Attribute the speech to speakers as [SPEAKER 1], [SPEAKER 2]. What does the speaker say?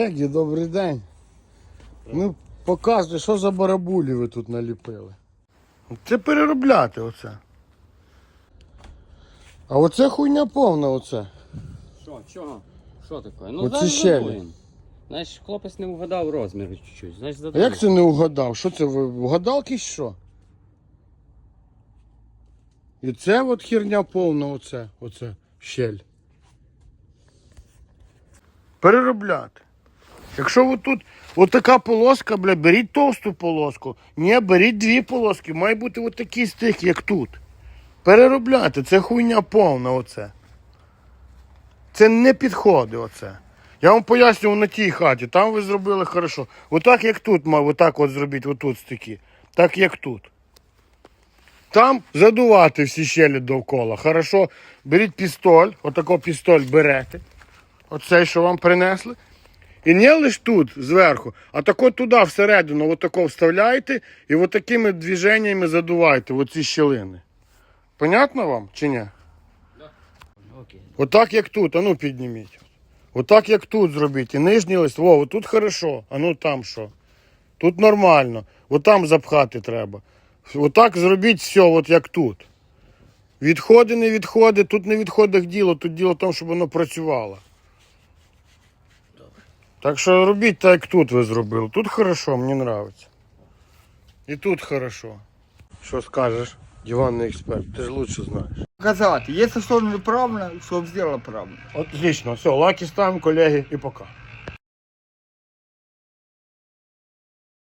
[SPEAKER 1] Колеги, добрий день. Ну, показуйте, що за барабулі ви тут наліпили. Це переробляти оце. А оце хуйня повна оце.
[SPEAKER 2] Що, чого? Що таке? Ну,
[SPEAKER 1] Оці
[SPEAKER 2] зараз
[SPEAKER 1] щелі.
[SPEAKER 2] задуємо. Знаєш, хлопець не вгадав розміри чуть-чуть. Значить,
[SPEAKER 1] А
[SPEAKER 2] задуємо.
[SPEAKER 1] як це не угадав? Що це, ви вгадалки що? І це от херня повна оце щель. Переробляти. Якщо ви тут отака полоска, бля, беріть товсту полоску. Ні, беріть дві полоски. Має бути отакий стик, як тут. Переробляти, це хуйня повна оце. Це не підходить оце. Я вам пояснював на тій хаті, там ви зробили хорошо. Отак як тут, мав, отак от зробіть, отут стики. Так як тут. Там задувати всі щелі довкола. Хорошо, беріть пістоль, отако пістоль берете. Оцей, що вам принесли. І не лише тут, зверху, а тако туди, всередину, отако вставляєте і отакими движеннями задуваєте оці щілини. Понятно вам чи ні?
[SPEAKER 2] Окей.
[SPEAKER 1] Отак як тут, а ну підніміть. Отак як тут зробіть. І нижній лист, во, тут хорошо, а ну там що. Тут нормально, отам запхати треба. Отак зробіть все, от як тут. Відходи, не відходи, тут не відходить діло, тут діло в тому, щоб воно працювало. Так що робіть так, як тут ви зробили. Тут хорошо, мені подобається. І тут хорошо. Що скажеш, диванний експерт, ти ж лучше знаєш.
[SPEAKER 3] Показати, якщо що неправильно, щоб зробила правильно.
[SPEAKER 1] Отлично, все, лаки ставимо, колеги, і пока.